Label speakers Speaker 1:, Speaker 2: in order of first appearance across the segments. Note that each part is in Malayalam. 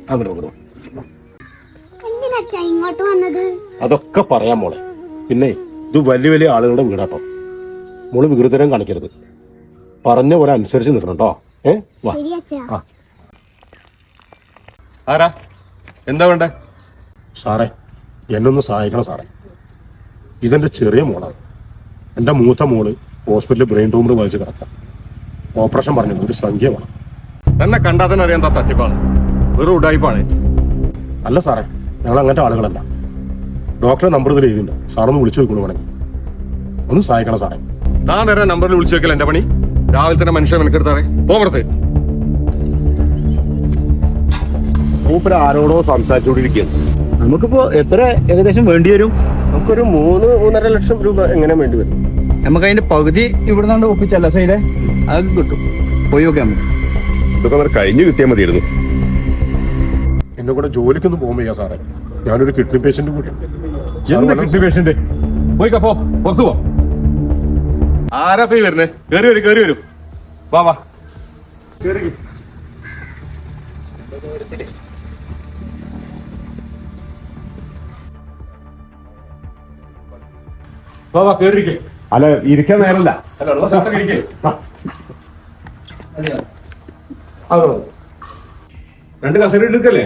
Speaker 1: ഇങ്ങോട്ട് വന്നത്
Speaker 2: അതൊക്കെ പറയാം മോളെ. പിന്നെ ഇത് വലിയ വലിയ ആളുകളുടെ വീടാട്ടോ. മോള് വികൃതരം കാണിക്കരുത്. പറഞ്ഞ പോലെ അനുസരിച്ച് നിൽക്കണം കേട്ടോ.
Speaker 3: ആരാ എന്താ വേണ്ടേ?
Speaker 2: സാറേ, എന്നൊന്ന് സഹായിക്കണം സാറേ. ഇതെന്റെ ചെറിയ മോളാണ്. എന്റെ മൂത്ത മോള് ഹോസ്പിറ്റലിൽ ബ്രെയിൻ ട്യൂമർ ബാധിച്ച് കിടക്കാം. ഓപ്പറേഷൻ പറഞ്ഞത് ഒരു സംഖ്യ വേണം.
Speaker 3: എന്നെ കണ്ടാൽ തന്നെ അറിയാൻ തട്ടിപ്പാണ്, വെറും ഉടായിപ്പാണ്.
Speaker 2: അല്ല സാറേ, ഞങ്ങൾ അങ്ങനത്തെ ആളുകളല്ല. ഡോക്ടറെ നമ്പർ ഇതിൽ എഴുതിണ്ട്. സാറൊന്ന് വിളിച്ചു നോക്കണു വേണമെങ്കിൽ. ഒന്ന് സഹായിക്കണം സാറേ.
Speaker 3: താൻ വരെ നമ്പറിൽ വിളിച്ചു വെക്കല എന്റെ പണി. രാവിലെ തന്നെ മനുഷ്യൻ മെനക്കെടുത്താറേ പോകരുത്.
Speaker 2: മൂപ്പര് ആരോടോ സംസാരിച്ചുകൊണ്ടിരിക്കുകയാണ്.
Speaker 4: നമുക്കിപ്പോ എത്ര ഏകദേശം വേണ്ടി വരും?
Speaker 2: നമുക്കൊരു 3-3.5 ലക്ഷം രൂപ എങ്ങനെ വേണ്ടി വരും?
Speaker 4: നമുക്ക് അതിന്റെ പകുതി ഇവിടെ നിന്നാണ്ട് ഒപ്പിച്ചല്ല സൈഡേ, അതൊക്കെ കിട്ടും. പോയി നോക്കാം നമുക്ക്.
Speaker 3: ഇതൊക്കെ കഴിഞ്ഞു കിട്ടിയാൽ മതിയായിരുന്നു.
Speaker 2: എന്നെ കൂടെ ജോലിക്കൊന്നും പോകാൻ വയ്യ സാറേ. ഞാനൊരു കിഡ്നി പേഷ്യന്റ് കൂടിയാണ്.
Speaker 3: കിഡ്നി പേഷ്യന്റ് പോയിക്കപ്പോ പുറത്തു പോ. ആരാ പോയി വരുന്നേ? കേറി വരും. വാ വാ കേറി. വാ കേറിയിരിക്കേ.
Speaker 2: അല്ല, ഇരിക്കാൻ നേരല്ല.
Speaker 3: അല്ല, ഉള്ള സ്ഥലത്തൊക്കെ ഇരിക്കേ. രണ്ട് കസേര എടുക്കല്ലേ?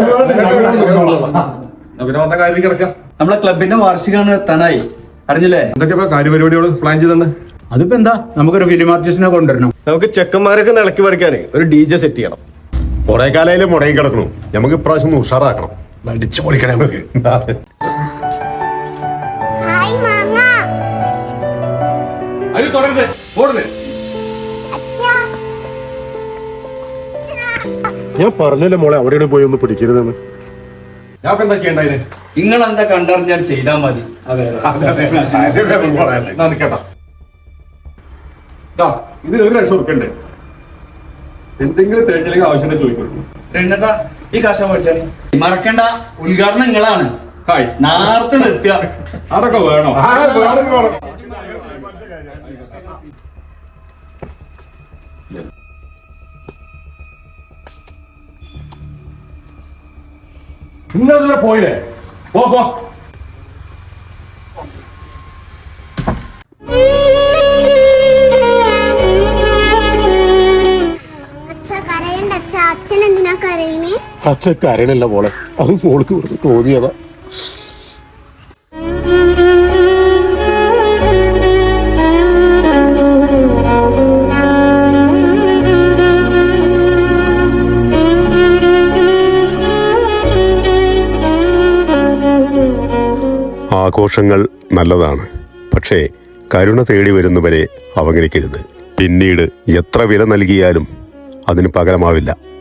Speaker 3: പിന്നെ വന്ന കാര്യം കിടക്കാം.
Speaker 4: നമ്മളെ ക്ലബിന്റെ വാർഷികമാണ് എത്താനായി, അറിഞ്ഞില്ലേ?
Speaker 3: എന്തൊക്കെയാ കാര്യപരിപാടിയോട് പ്ലാൻ ചെയ്തെന്ന്?
Speaker 4: അതിപ്പോ എന്താ, നമുക്കൊരു ഫിലിം ആർട്ടിസ്റ്റിനെ കൊണ്ടുവരണം.
Speaker 3: നമുക്ക് ചെക്കന്മാരൊക്കെ നിളക്കി പറിക്കാനേ ഒരു DJ സെറ്റ് ചെയ്യണം.
Speaker 2: കുറെ കാലയില് മുടങ്ങി കിടക്കണു. നമുക്ക് ഇപ്രാവശ്യം ഒന്ന് ഉഷാറാക്കണം. അടിച്ചു പൊളിക്കണേ നമുക്ക്.
Speaker 1: ഹായ് മാമ.
Speaker 3: അത് തുടരുത്, ഓടുന്നേ.
Speaker 2: ഞാൻ പറഞ്ഞല്ലേ മോളെ, അവിടെയാണ് പോയി ഒന്ന് പിടിക്കരുതെന്ന്.
Speaker 3: ഞാൻ എന്താ ചെയ്യണ്ടേ?
Speaker 4: നിങ്ങൾ എന്താ കണ്ടറിഞ്ഞാൽ ചെയ്താൽ മതി.
Speaker 3: നിൽക്കട്ടാ, ഇതിന് 1 ലക്ഷം ഉറുപ്പിക ഉണ്ട്. എന്തെങ്കിലും തേച്ചില്ലെങ്കിൽ ആവശ്യം ചോദിക്കുള്ളൂ.
Speaker 4: ഈ കാശം മേടിച്ചാണ്. മറക്കണ്ട, ഉദ്ഘാടനം നിങ്ങളാണ്.
Speaker 3: ഹായ്,
Speaker 4: നേരത്തെ നിർത്തുക.
Speaker 3: അതൊക്കെ വേണോ? നിങ്ങൾ പോയില്ലേ? പോ.
Speaker 1: അച്ഛൻ എന്തിനാ കരയുന്നേ?
Speaker 2: അച്ഛൻ കരയണല്ല മോളെ, അത് മോൾക്ക് വെറുതെ തോന്നിയതാ.
Speaker 5: ആഘോഷങ്ങൾ നല്ലതാണ്, പക്ഷേ കരുണ തേടി വരുന്നവരെ അവഗണിക്കരുത്. പിന്നീട് എത്ര വില നൽകിയാലും അതിന് പകരമാവില്ല.